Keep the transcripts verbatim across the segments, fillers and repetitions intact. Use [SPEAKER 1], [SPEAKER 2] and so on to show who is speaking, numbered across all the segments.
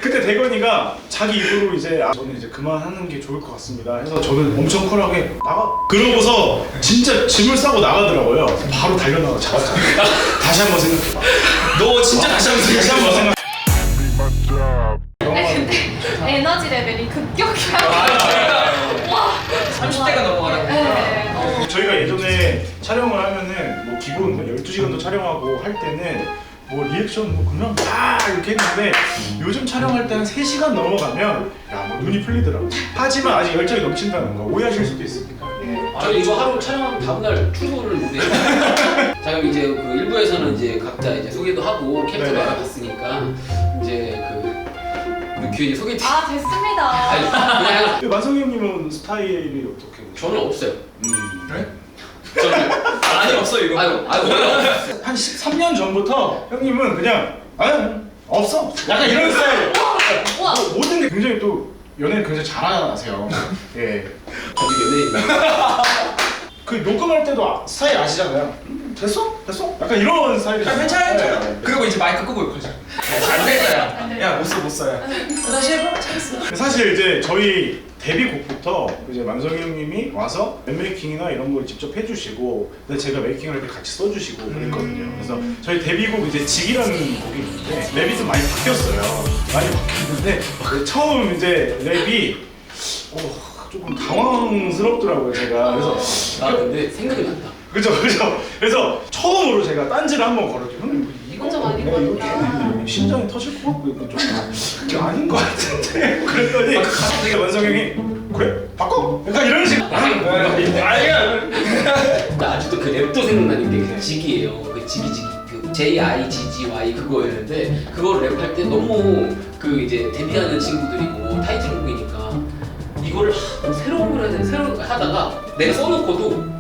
[SPEAKER 1] 그때 대건이가 자기 입으로 이제 아, 저는 이제 그만하는 게 좋을 것 같습니다 해서 저는 엄청 쿨하게 나가 그러고서 진짜 짐을 싸고 나가더라고요. 바로 달려나가 잡았죠. 다시 한번 생각해봐.
[SPEAKER 2] 너 진짜 다시 한번
[SPEAKER 1] 다시 한번
[SPEAKER 2] 생각해봐.
[SPEAKER 1] 생각.
[SPEAKER 3] 아니 근데 에너지 레벨이 급격하게 와
[SPEAKER 2] 삼십 대가 넘어가라고.
[SPEAKER 3] 네. 어.
[SPEAKER 1] 저희가 예전에 촬영을 하면은 뭐 기본 뭐 열두 시간도 촬영하고 할 때는 뭐 리액션 뭐 그냥 막 이렇게 했는데 요즘 촬영할 때는 세 시간 넘어가면 야 뭐 눈이 풀리더라고. 하지만 아직 열정이 넘친다는 거 오해하실 수도 있으니까.
[SPEAKER 4] 저 이거 하루 촬영하면 다음날 출근을 못해요. 자 그럼 이제 그 일부에서는 이제 각자 이제 소개도 하고 캐릭터도
[SPEAKER 1] 네네.
[SPEAKER 4] 알아봤으니까 이제 그 우리 규현이 소개팅.
[SPEAKER 3] 아 됐습니다.
[SPEAKER 4] 아니 그냥
[SPEAKER 1] 만성이 형님은 스타일이 어떻게?
[SPEAKER 4] 저는 없어요.
[SPEAKER 1] 음.
[SPEAKER 2] 그래?
[SPEAKER 4] 저는
[SPEAKER 2] 아니 없어 이거.
[SPEAKER 4] 아유 아유 원래 없어요.
[SPEAKER 1] 한 십삼 년 전부터 형님은 그냥 아 없어. 약간 이런 스타일.
[SPEAKER 3] 우와.
[SPEAKER 1] 뭐, 모든 게 굉장히 또 연애를 굉장히 잘하세요. 예.
[SPEAKER 4] 저도 연예인이에요.
[SPEAKER 1] 그 녹음할 때도 아, 스타일 아시잖아요. 음, 됐어? 됐어? 약간 이런 스타일이.
[SPEAKER 2] 야 괜찮아 괜찮아.
[SPEAKER 1] 네.
[SPEAKER 2] 그리고 이제 마이크 끄고 욕하자. 안 되겠다. 야못 써 못 써야. 다시 해봐. 잘했어.
[SPEAKER 1] 사실 이제 저희 데뷔곡부터 이제 만성이 형님이 와서 랩메이킹이나 이런 걸 직접 해주시고 근데 제가 메이킹할 때 같이 써주시고 그랬거든요. 그래서 저희 데뷔곡 이제 직이라는 곡이 있는데 랩이 좀 많이 바뀌었어요. 많이 바뀌었는데 그 처음 이제 랩이 어, 조금 당황스럽더라고요 제가. 그래서
[SPEAKER 4] 아 근데 생각이 난다.
[SPEAKER 1] 그죠 그죠. 그래서 처음으로 제가 딴지를 한번 걸었죠. 형님 이거
[SPEAKER 3] 혼자 많이
[SPEAKER 1] 내가 이거
[SPEAKER 3] 걸었구나.
[SPEAKER 1] 좀 심장이 터질 것 같고 이거 좀 이게 아닌 것 같은데 그랬더니 갑자기 만성 형이 그래 바꿔 약간 이런 식. 아니야.
[SPEAKER 4] 나 아직도 그 랩도 생각나는 게 그 직이에요. 그 직이 직이 그 J I G G Y 그거였는데 그걸 랩할 때 너무 그 이제 데뷔하는 친구들이고 타이틀곡이니까 이거를 하, 새로운 걸 해야 돼 새로운 걸 하다가 내가 써놓고도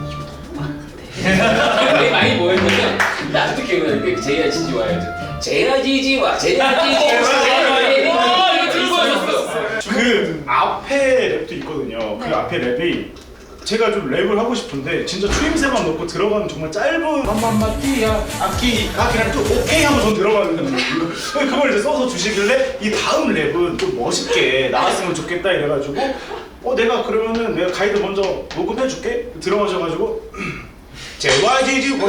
[SPEAKER 4] 되게 많이 뭐였냐면 나 아직도 기억나는 게 J I G G Y였죠. J I G G Y J I G G Y 이거 들고 왔었어.
[SPEAKER 1] 그 앞에 랩도 있거든요. 그
[SPEAKER 3] 네.
[SPEAKER 1] 앞에 랩이 제가 좀 랩을 하고 싶은데 진짜 추임새만 넣고 들어가는 정말 짧은 맘맘마띠야 악기가 그냥 또 오케이 하면 전 들어가는 그걸 이제 써서 주시길래 이 다음 랩은 좀 멋있게 나왔으면 좋겠다 이래가지고 어 내가 그러면은 내가 가이드 먼저 녹음해줄게 들어가셔가지고 제와이지지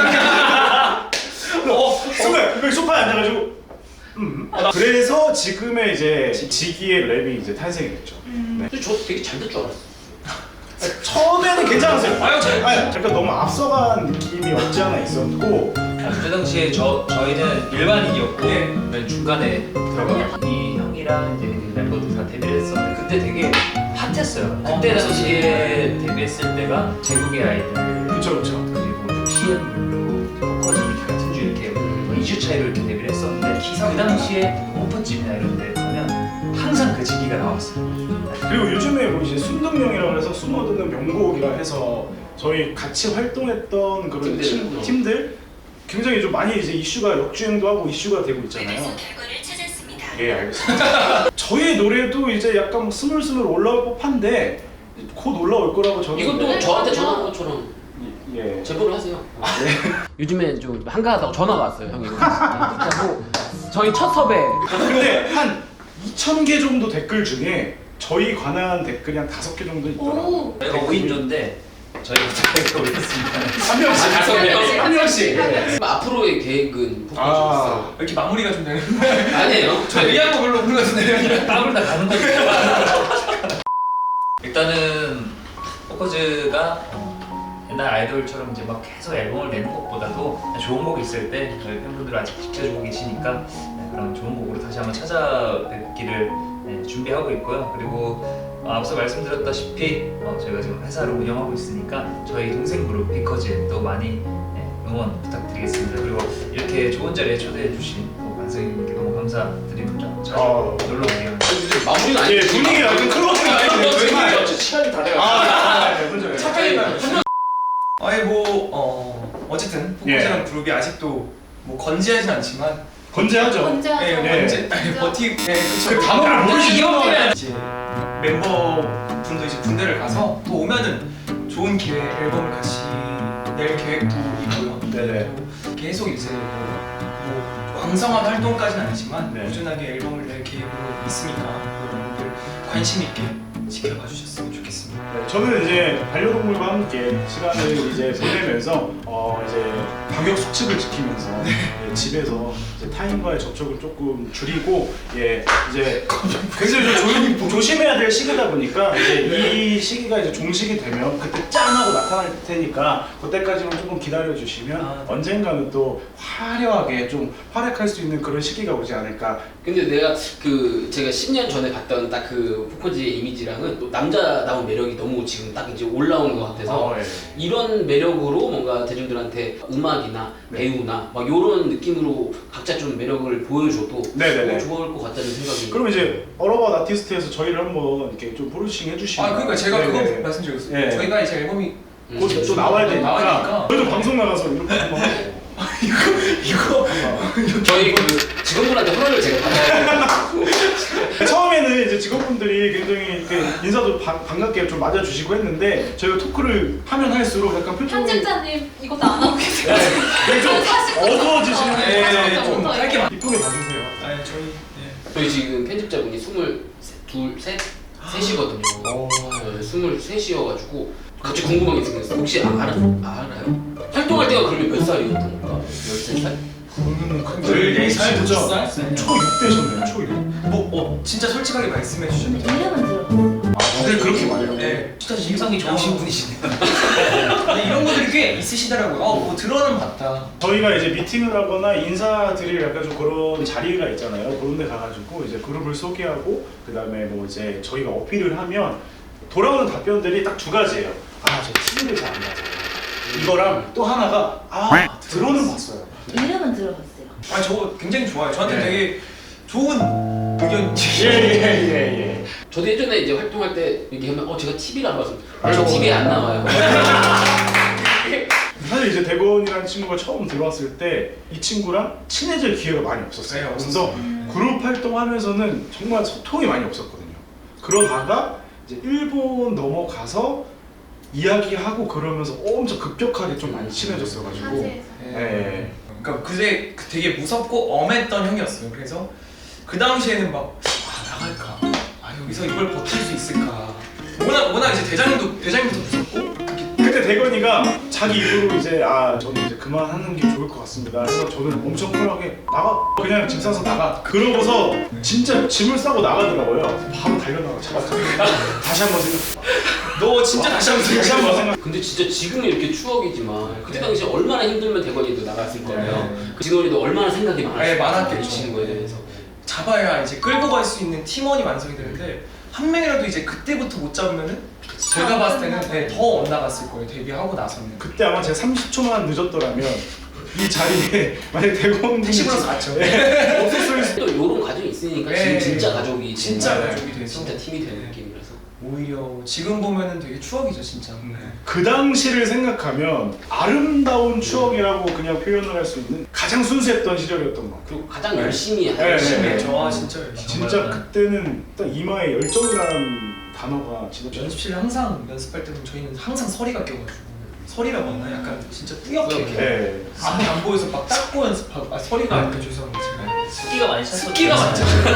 [SPEAKER 1] 어 순간 여기 소파에 앉아가지고 음. 그래서 지금의 이제 지기의 랩이 이제 탄생이 됐죠. 네.
[SPEAKER 4] 근데 저 되게 잘 될 줄 알았어.
[SPEAKER 1] 처음에는 괜찮았어요.
[SPEAKER 2] 아유, 잘-
[SPEAKER 1] 아니, 약간 너무 앞서간 느낌이 없지 않아 있었고
[SPEAKER 5] 그 당시에 저 저희는 일반인이었고
[SPEAKER 2] 예.
[SPEAKER 5] 저희는 중간에 들어가 이 형이랑 이제 그 멤버들 다 데뷔를 했었는데 그때 되게 핫했어요. 그때 당시에 데뷔했을 때가 제국의 아이들
[SPEAKER 1] 그쵸 그쵸.
[SPEAKER 5] 그리고 티엠블루, 포커즈 같은 주 이렇게 뭐 이 주 차이로 이렇게 데뷔를 했었는데 그 당시에 오픈집이나 이런 데 가면 항상 그 지기가 나왔어요.
[SPEAKER 1] 그리고 요즘에 뭐 이제 순둥명이라고 해서 숨어드는 명곡이라 해서 저희 같이 활동했던 그런
[SPEAKER 4] 팀들.
[SPEAKER 1] 친구, 팀들 굉장히 좀 많이 이제 이슈가 역주행도 하고 이슈가 되고 있잖아요.
[SPEAKER 6] 결과를 찾았습니다.
[SPEAKER 1] 예 알겠습니다. 저희 노래도 이제 약간 뭐 스물스물 올라올 법한데 곧 올라올 거라고 저는.
[SPEAKER 4] 이것도 저한테 전화한 것처럼
[SPEAKER 1] 예.
[SPEAKER 4] 제보를 하세요. 요즘에 좀 한가하다고 전화가 왔어요, 형이. 그렇고 저희 첫 섭외.
[SPEAKER 1] 근데 한 이천 개 정도 댓글 중에 저희 관한 댓글이 한 다섯 개 정도 있더라고요.
[SPEAKER 3] 오.
[SPEAKER 5] 저희가 오 인조인데 저희가 저희가 올렸습니다.
[SPEAKER 1] 한 명씩.
[SPEAKER 4] 아, 다섯 명?
[SPEAKER 1] 한 명씩.
[SPEAKER 4] 그럼 앞으로의 계획은 복구
[SPEAKER 1] 아.
[SPEAKER 2] 이렇게 마무리가 좀 되는.
[SPEAKER 4] 아니에요.
[SPEAKER 2] 저 의아한 거 별로 없는 것 같은데.
[SPEAKER 5] 땀을 다 가는 거죠. 일단은 포커즈가 어, 옛날 아이돌처럼 이제 막 계속 앨범을 내는 것보다도 좋은 곡이 있을 때 저희 팬분들 아직 지켜주고 계시니까 네, 그런 좋은 곡으로 다시 한번 찾아뵙기를 네, 준비하고 있고요. 그리고 어, 앞서 말씀드렸다시피 어, 저희가 지금 회사를 운영하고 있으니까 저희 동생 그룹 비커즈도 많이 네, 응원 부탁드리겠습니다. 그리고 이렇게 좋은 자리에 초대해 주신 만성님께 너무 감사드립니다. 자주
[SPEAKER 1] 어.
[SPEAKER 5] 놀러 오세요.
[SPEAKER 4] 마무리가 아니에요.
[SPEAKER 1] 예, 분위기가 약간 클로징 아닌데 정말.
[SPEAKER 4] 시간이 다 돼요.
[SPEAKER 1] 아, 아, 네, 먼저.
[SPEAKER 2] 착하게 아니 뭐 어, 어쨌든 포커즈라는
[SPEAKER 1] 예.
[SPEAKER 2] 그룹이 아직도 뭐 건재하진 않지만
[SPEAKER 1] 건재하죠.
[SPEAKER 3] 건재하죠.
[SPEAKER 2] 예,
[SPEAKER 1] 네.
[SPEAKER 2] 건재 아니 버티 예, 그쵸.
[SPEAKER 1] 그 단어를 모르시면
[SPEAKER 2] 이제 멤버분도 이제 군대를 가서 또 오면은 좋은 기회 앨범을 같이 낼 계획도 있고요.
[SPEAKER 1] 네네.
[SPEAKER 2] 계속 이제 뭐, 뭐 왕성한 활동까지는 아니지만
[SPEAKER 1] 네.
[SPEAKER 2] 꾸준하게 앨범을 낼 계획으로 있으니까 여러분들 관심 있게 지켜봐 주셨으면 좋겠습니다.
[SPEAKER 1] 네, 저는 이제 반려동물과 함께 시간을 이제 보내면서 어 이제 방역 수칙을 지키면서 예, 집에서 이제 타인과의 접촉을 조금 줄이고 예 이제 굉장히 좀 조, 조심해야 될 시기다 보니까 이제 이 시기가 이제 종식이 되면 그때 짠 하고 나타날 테니까 그때까지만 조금 기다려 주시면
[SPEAKER 2] 아, 네.
[SPEAKER 1] 언젠가는 또 화려하게 좀 활약할 수 있는 그런 시기가 오지 않을까.
[SPEAKER 4] 근데 내가 그 제가 십 년 전에 봤던 딱 그 포커즈의 이미지랑은 또 남자다운 매력이 너무 지금 딱 이제 올라오는 것 같아서
[SPEAKER 1] 어, 예.
[SPEAKER 4] 이런 매력으로 뭔가 대중들한테 음악이나
[SPEAKER 1] 네.
[SPEAKER 4] 배우나 막 이런 느낌으로 각자 좀 매력을 보여줘도
[SPEAKER 1] 네네네.
[SPEAKER 4] 어, 좋을 것 같다는 생각이.
[SPEAKER 1] 그럼 이제 어로바 아티스트에서 저희를 한번 이렇게 좀 브루싱 해주시면.
[SPEAKER 2] 아 그러니까 제가
[SPEAKER 1] 네네.
[SPEAKER 2] 그거 말씀드렸어요.
[SPEAKER 1] 네.
[SPEAKER 2] 저희가 이제 앨범이
[SPEAKER 4] 음.
[SPEAKER 1] 곧 또 나와야 되니까.
[SPEAKER 2] 나와야 되니까.
[SPEAKER 1] 저희도 방송 나가서 이렇게 한번 하고.
[SPEAKER 2] 이거
[SPEAKER 4] 저희 그 직원분한테 허락을 제가 받아야 돼요.
[SPEAKER 1] 처음에는 이제 직원분들이 굉장히 이렇게 인사도 바, 반갑게 좀 맞아주시고 했는데 저희가 토크를 하면 할수록 약간 표정이
[SPEAKER 3] 편집자님 이것도 안 하고 계세요.
[SPEAKER 1] 되게 좀 어두워지시는
[SPEAKER 3] 네,
[SPEAKER 1] 게
[SPEAKER 3] 네,
[SPEAKER 2] 좀
[SPEAKER 3] 좀
[SPEAKER 2] 짧게 만.
[SPEAKER 1] 이쁘게 봐주세요.
[SPEAKER 2] 아 저희 예.
[SPEAKER 4] 저희 지금 편집자분이 스물둘, 셋, 셋이거든요.
[SPEAKER 1] 오.
[SPEAKER 4] 네, 스물셋이어가지고 갑자기 궁금한 게 생겼어요. 혹시 아, 알아, 아, 알아요? 활동할 때가 그러면 몇 살이었던 건가? 열세 살?
[SPEAKER 1] 그러면은
[SPEAKER 2] 열네 살,
[SPEAKER 1] 진짜
[SPEAKER 2] 열두 살?
[SPEAKER 1] 초육 되셨네요. 초육.
[SPEAKER 2] 뭐 어, 진짜 솔직하게 말씀해 주셨는데.
[SPEAKER 3] 이름은 들어.
[SPEAKER 1] 아 다들 그렇게 말해요.
[SPEAKER 2] 네.
[SPEAKER 5] 진짜 심성이 좋으신 분이시네요.
[SPEAKER 2] 근데 이런 분들이 꽤 있으시더라고요. 어, 뭐 들어는 봤다.
[SPEAKER 1] 저희가 이제 미팅을 하거나 인사드릴 약간 좀 그런 자리가 있잖아요. 그런 데 가가지고 이제 그룹을 소개하고 그 다음에 뭐 이제 저희가 어필을 하면 돌아오는 답변들이 딱 두 가지예요. 아, 저 티비를 잘 안 봐서. 이거랑 또 하나가 아, 들어는 봤어요.
[SPEAKER 3] 이름은 들어봤어요.
[SPEAKER 2] 아 저거 굉장히 좋아요. 저한테
[SPEAKER 1] 네.
[SPEAKER 2] 되게 좋은 의견.
[SPEAKER 1] 예예예 예.
[SPEAKER 4] 저도 예전에 이제 활동할 때 얘기하면 어 제가 티비를 안 봐서
[SPEAKER 1] 아유.
[SPEAKER 4] 저 티비에 안 나와요.
[SPEAKER 1] 사실 이제 대건이라는 친구가 처음 들어왔을 때 이 친구랑 친해질 기회가 많이 없었어요.
[SPEAKER 2] 네,
[SPEAKER 1] 그래서 그룹 활동하면서는 정말 소통이 많이 없었거든요. 그러다가 이제 일본 넘어가서 이야기하고 그러면서 엄청 급격하게 좀 많이 친해졌어가지고.
[SPEAKER 3] 사실
[SPEAKER 1] 네.
[SPEAKER 2] 그러니까 그때 그 되게 무섭고 엄했던 형이었어요. 그래서 그 당시에는 막 아, 나갈까? 아 여기서 이걸 버틸 수 있을까? 워낙 워낙 이제 대장님도 대장님부터 무섭고
[SPEAKER 1] 그때 대건이가 자기 입으로 이제 아 저는 이제 그만하는 게 좋을 것 같습니다. 그래서 저는 엄청 쿨하게 나가 그냥 짐 싸서 나가. 그러고서 진짜 짐을 싸고 나가더라고요. 바로 달려나가 잡았죠. 다시 한번 생각.
[SPEAKER 2] 너 진짜 다시 한번
[SPEAKER 1] 다시 한번
[SPEAKER 2] 생각해봐.
[SPEAKER 1] 생각.
[SPEAKER 4] 근데 진짜 지금은 이렇게 추억이지만 그때
[SPEAKER 2] 네.
[SPEAKER 4] 당시에 얼마나 힘들면 대건이도 나갔을 거예요.
[SPEAKER 2] 네.
[SPEAKER 4] 그 진원이도 얼마나 생각이
[SPEAKER 2] 네,
[SPEAKER 4] 많았어요.
[SPEAKER 2] 많았겠죠.
[SPEAKER 4] 이 친구에 대해서.
[SPEAKER 2] 잡아야 이제 끌고 갈 수 있는 팀원이 완성이 되는데 한 명이라도 이제 그때부터 못 잡으면은 제가 봤을 때는 네, 더 엇나갔을 거예요. 데뷔하고 나서는.
[SPEAKER 1] 그때 아마 제가 삼십 초만 늦었더라면 이 자리에 만약 대건
[SPEAKER 2] 택시 불러서 갔죠.
[SPEAKER 1] 네. 없었을 수.
[SPEAKER 4] 또 이런 가정이 있으니까
[SPEAKER 2] 네.
[SPEAKER 4] 지금 진짜 가족이
[SPEAKER 2] 진짜
[SPEAKER 4] 정말
[SPEAKER 2] 가족이 돼서.
[SPEAKER 4] 진짜 팀이 되는 느낌이라서.
[SPEAKER 2] 오히려 지금 보면은 되게 추억이죠 진짜. 네.
[SPEAKER 1] 그 당시를 생각하면 아름다운 추억이라고 그냥 표현을 할 수 있는 가장 순수했던 시절이었던 것 같아요.
[SPEAKER 4] 그리고 가장
[SPEAKER 2] 네.
[SPEAKER 4] 열심히
[SPEAKER 1] 네,
[SPEAKER 4] 하는
[SPEAKER 1] 네,
[SPEAKER 4] 시간.
[SPEAKER 1] 네.
[SPEAKER 2] 저 진짜 열심히.
[SPEAKER 1] 진짜 그때는 딱 이마에 열정이라는 단어가 진짜
[SPEAKER 2] 연습실에 항상 연습할 때는 저희는 항상 서리가 껴가지고 서리라고 하나 약간 진짜 뿌옇게
[SPEAKER 4] 뿌옇게.
[SPEAKER 1] 네.
[SPEAKER 2] 앞이 안 보여서 막 닦고 연습하고 아 서리가 아니까 죄송합니다.
[SPEAKER 5] 습기가 많이 찼었죠.
[SPEAKER 2] 습기가 많잖아요.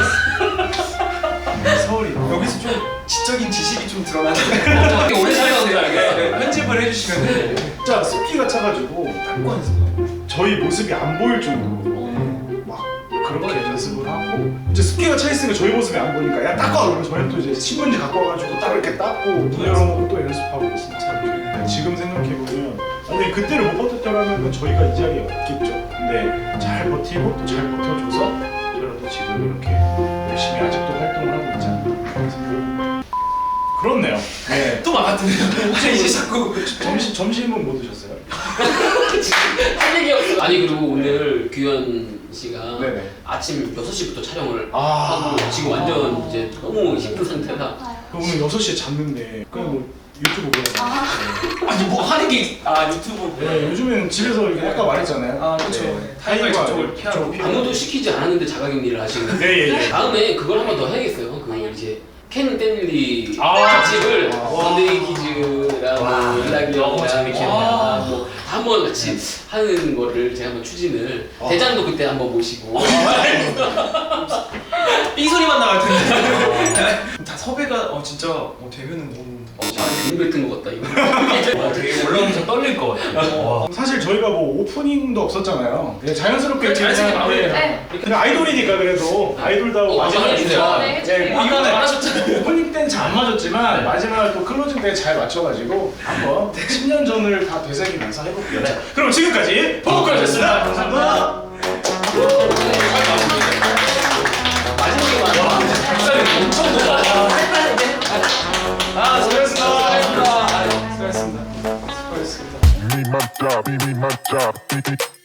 [SPEAKER 1] 서울이
[SPEAKER 2] 여기서 좀 지적인 지식이 좀 드러나는데
[SPEAKER 4] 되게 오래 살아서 줄 알겠어요.
[SPEAKER 2] 네, 편집을 해주시면
[SPEAKER 1] 진짜 습기가 차가지고
[SPEAKER 2] 닦고 연습하고
[SPEAKER 1] 저희 모습이 안 보일 정도로 막 그렇게 연습을 하고 이제 습기가 차 있으니까 저희 모습이 안 보니까 야 닦아 그러면 저희 또 이제 신문지 갖고 와가지고 딱 이렇게 닦고 문 열어놓고 또 연습하고 진짜 지금 생각해보면 아니 그때를 못 버텼더라면 저희가 이 자리에 없겠죠. 근데 잘 버티고 또 잘 버텨줘서 저희도 지금 이렇게 열심히 아직도 활동을 하고 있지 않나. 그래서 그렇네요. 네.
[SPEAKER 2] 또 막았더네요. 혹시 이제 자꾸
[SPEAKER 1] 점심 점심은 뭐 드셨어요?
[SPEAKER 4] 할 얘기 없어. 아니 그리고 오늘 규현 씨가
[SPEAKER 1] 네네.
[SPEAKER 4] 아침 여섯 시부터 촬영을
[SPEAKER 1] 아.
[SPEAKER 4] 하고 지금 완전 이제 너무 힘든 상태라
[SPEAKER 1] 오늘 여섯 시에 잤는데 그냥 뭐 유튜브 보고
[SPEAKER 3] 아.
[SPEAKER 2] 아니 뭐 하는 게 아 유튜브
[SPEAKER 1] 네, 요즘에는 집에서 이렇게 아까 말했잖아요.
[SPEAKER 2] 아 그렇죠.
[SPEAKER 1] 네.
[SPEAKER 2] 타이거
[SPEAKER 1] 타이거와
[SPEAKER 2] 저쪽을 피하고
[SPEAKER 4] 아무도 시키지 않았는데 자가격리를 하시는
[SPEAKER 1] 네, 예, 예.
[SPEAKER 4] 다음에 그걸 한 번 더 해야겠어요. 그 이제 켄 댄리
[SPEAKER 1] 아.
[SPEAKER 4] 특집을
[SPEAKER 1] 아.
[SPEAKER 4] 던데이 키즈랑
[SPEAKER 5] 와,
[SPEAKER 4] 일락이
[SPEAKER 5] 너무
[SPEAKER 4] 형이랑
[SPEAKER 5] 재밌겠네요.
[SPEAKER 4] 아, 뭐 한번 같이 하는 거를 제가 한번 추진을
[SPEAKER 1] 아.
[SPEAKER 4] 대장도 그때 한번 모시고
[SPEAKER 2] 삐 소리만 나갈 텐데. 다 섭외가 어 진짜 어, 되면은 너무
[SPEAKER 4] 어, 괜히 뱉은 것 같다 이거.
[SPEAKER 5] 아, 되게 올라오면서 떨릴 것 같아요. 와.
[SPEAKER 1] 사실 저희가 뭐 오프닝도 없었잖아요. 그냥 자연스럽게
[SPEAKER 2] 그냥 자연스럽게
[SPEAKER 1] 그냥,
[SPEAKER 2] 마무리.
[SPEAKER 1] 네.
[SPEAKER 3] 네.
[SPEAKER 1] 그냥 아이돌이니까 그래도 아이돌다워
[SPEAKER 4] 어,
[SPEAKER 1] 마지막
[SPEAKER 4] 마무리 해주세요.
[SPEAKER 1] 인사.
[SPEAKER 3] 네, 해주세요.
[SPEAKER 1] 네,
[SPEAKER 2] 이거는 안 하셨잖아요.
[SPEAKER 1] 오프닝 때는 잘 안 맞았지만 마지막 또 클로징 때 잘 맞춰가지고 한번 십 년 전을 다 되새기면서 해볼게요. 자, 그럼 지금까지 보컬이었습니다. 감사합니다.
[SPEAKER 4] 마지막에 와,
[SPEAKER 2] 박사님 엄청 높아. 아 수고하셨습니다.
[SPEAKER 4] 수고하셨습니다.
[SPEAKER 2] 수고하셨습니다. 수고하셨습니다.
[SPEAKER 6] Me my job, me my job.